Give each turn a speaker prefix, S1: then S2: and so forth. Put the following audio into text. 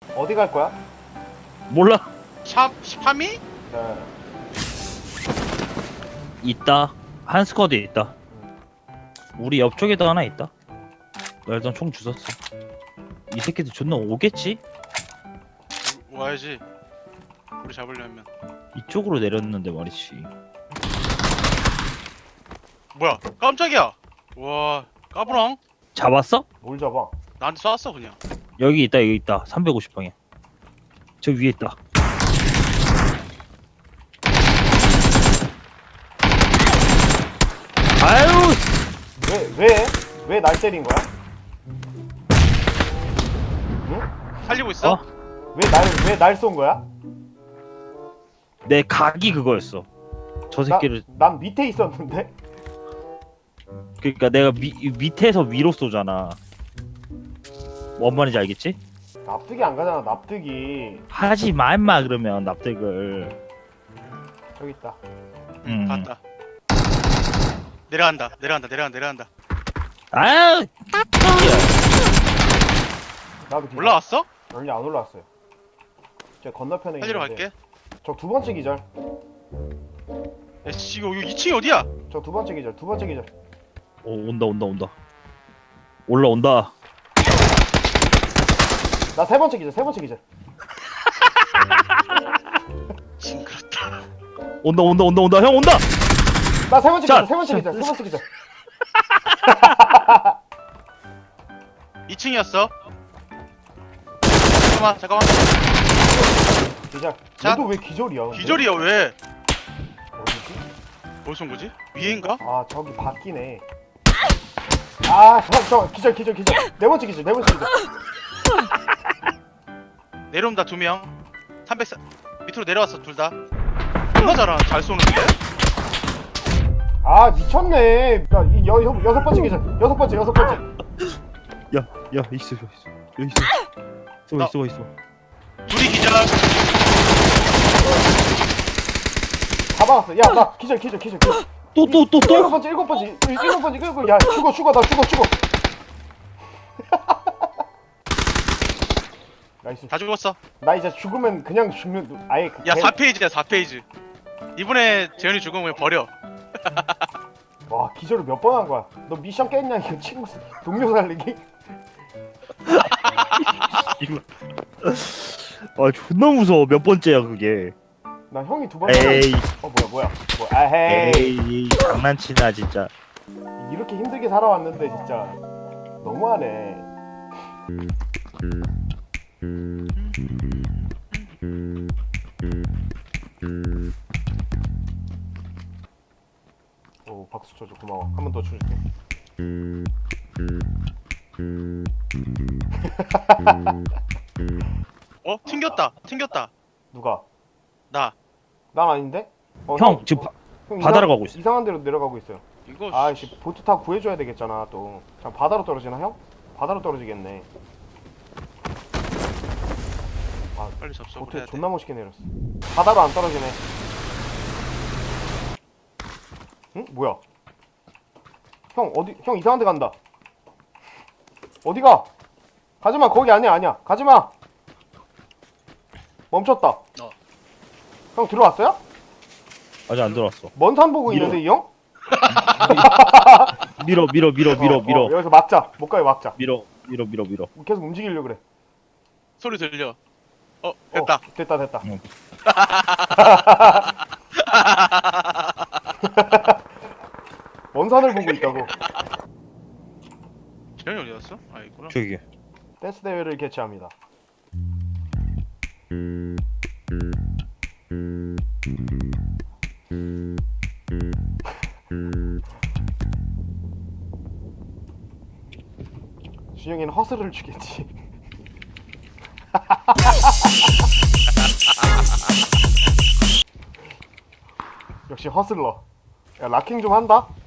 S1: 어디 갈 거야?
S2: 몰라.
S3: 샵 3위?
S1: 네.
S2: 있다. 한 스쿼드에 있다. 우리 옆쪽에도 하나 있다. 나 일단 총 주웠어. 이 새끼들 존나 오겠지?
S3: 와야지. 우리 잡으려면.
S2: 이쪽으로 내렸는데 말이지.
S3: 뭐야? 깜짝이야. 와, 까불랑?
S2: 잡았어?
S1: 뭘 잡아?
S3: 나한테 쐈어 그냥.
S2: 여기 있다, 여기 있다. 350방에. 저 위에 있다. 아유!
S1: 왜 날 때린 거야? 응?
S3: 살리고 있어?
S2: 어?
S1: 왜 날 쏜 거야?
S2: 내 각이 그거였어. 저 새끼를.
S1: 난 밑에 있었는데?
S2: 그러니까 내가 밑에서 위로 쏘잖아. 뭔 말인지 알겠지?
S1: 납득이 안 가잖아, 납득이.
S2: 하지 마 임마 그러면 납득을.
S1: 저기 있다.
S3: 갔다. 내려간다.
S2: 아유!
S1: 나도 기절.
S3: 올라왔어?
S1: 아니, 안 올라왔어요. 저 건너편에
S3: 살리러
S1: 있는데.
S3: 갈게.
S1: 저 두 번째 기절.
S3: 야, 씨, 이거 2층이 어디야?
S1: 저 두 번째 기절.
S2: 오, 온다. 올라온다.
S1: 나 세 번째 기절.
S3: 징그럽다.
S2: 온다. 형 온다.
S1: 나 세 번째
S2: 자,
S1: 기절. 세 번째 기절.
S3: 2층이었어. 잠깐만.
S1: 기절.
S3: 자.
S1: 얘도 왜 기절이야? 근데?
S3: 기절이야 왜?
S1: 어디지?
S3: 어디서 온 거지? 위에인가?
S1: 아, 저기 바뀌네. 아, 저 기절. 네 번째 기절.
S3: 내려온다 2명. 300 밑으로 내려왔어 둘 다. 얼마 잘 쏘는데?
S1: 아, 미쳤네. 여섯 번째 기절. 여섯 번째.
S2: 야, 있어. 여기 있어.
S3: 둘이 기절.
S1: 다 박았어. 야, 나 기절.
S2: 또.
S1: 일곱 번째. 야, 죽어. 나 죽어. 나이스.
S3: 다 죽었어.
S1: 나 이제 죽으면 그냥 죽는, 아예.
S3: 야 4페이지야 4페이지. 이번에 재현이 죽으면 버려.
S1: 와, 기절을 몇 번 한 거야? 너 미션 깼냐? 이거 친구, 동료 살리기?
S2: 아 존나 무서워. 몇 번째야 그게.
S1: 나 형이 두 번.
S2: 에이.
S1: 뭐야? 에헤이.
S2: 에이 장난치나 진짜.
S1: 이렇게 힘들게 살아왔는데 진짜 너무하네. 오, 박수 쳐줘. 고마워. 한 번 더 쳐줄게.
S3: 어? 튕겼다.
S1: 누가?
S3: 나.
S1: 난 아닌데?
S2: 형 지금
S1: 형
S2: 바다로 가고 있어.
S1: 이상한 데로 내려가고 있어요.
S3: 이거
S1: 아이씨, 보트 타고 구해줘야 되겠잖아 또. 자, 바다로 떨어지나 형? 바다로 떨어지겠네.
S3: 빨리 접속을
S1: 보트에
S3: 해야 돼.
S1: 존나 멋있게 내렸어. 바다로 안 떨어지네. 응? 뭐야? 형 형 이상한 데 간다. 어디가? 가지마. 거기 아니야. 가지마. 멈췄다. 형 들어왔어요?
S2: 아직 안 들어왔어.
S1: 먼 산 보고
S2: 밀어.
S1: 있는데 이 형?
S2: 밀어.
S1: 여기서 막자. 못 가요, 막자.
S2: 밀어.
S1: 계속 움직이려고 그래.
S3: 소리 들려. 됐다.
S1: 됐다.
S2: 응.
S1: 먼 산을 보고 있다고.
S3: 재현이 어디 갔어? 아 있구나.
S2: 저기.
S1: 댄스 대회를 개최합니다. 준영이는 허슬을 주겠지. 역시 허슬러. 야, 락킹 좀 한다?